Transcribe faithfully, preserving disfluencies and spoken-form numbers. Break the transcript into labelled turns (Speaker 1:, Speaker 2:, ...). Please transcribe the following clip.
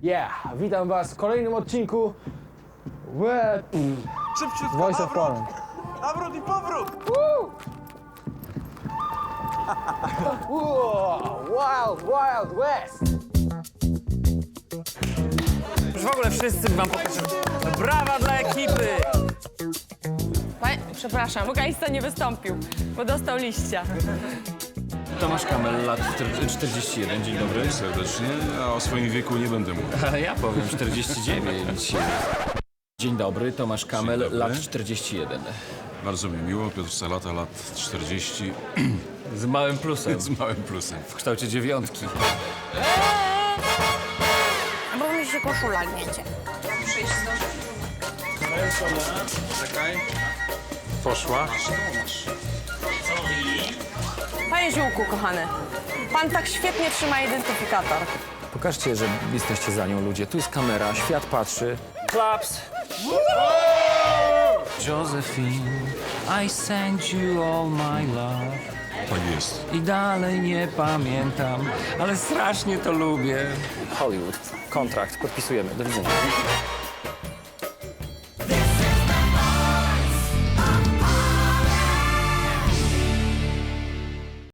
Speaker 1: Yeah, witam was w kolejnym odcinku Łe...
Speaker 2: Szybciutko,
Speaker 1: Voice of
Speaker 2: nawrót,
Speaker 1: Poland.
Speaker 2: nawrót i powrót!
Speaker 1: Wild, Wild West!
Speaker 3: Już w ogóle wszyscy wam pokażę. Brawa dla ekipy!
Speaker 4: Panie, przepraszam, wokalista nie wystąpił, bo dostał liścia.
Speaker 5: Tomasz Kamel, lat czterdzieści jeden, dzień dobry.
Speaker 6: Serdecznie, a o swoim wieku nie będę mówił.
Speaker 5: A ja powiem czterdzieści dziewięć. Dzień dobry, Tomasz Kamel,
Speaker 6: dobry.
Speaker 5: lat czterdzieści jeden.
Speaker 6: Bardzo mi miło, Piotr Salata, lat czterdzieści,
Speaker 5: Z małym plusem,
Speaker 6: z małym plusem.
Speaker 5: w kształcie dziewiątki.
Speaker 4: Bo mi się koszula gniecie.
Speaker 6: Poszła.
Speaker 4: Panie Ziółku, kochany, pan tak świetnie trzyma identyfikator.
Speaker 5: Pokażcie, że jesteście za nią, ludzie. Tu jest kamera, świat patrzy. Klaps! Josephine, I send you all my love.
Speaker 6: Tak jest.
Speaker 5: I dalej nie pamiętam, ale strasznie to lubię. Hollywood, kontrakt, podpisujemy. Do widzenia.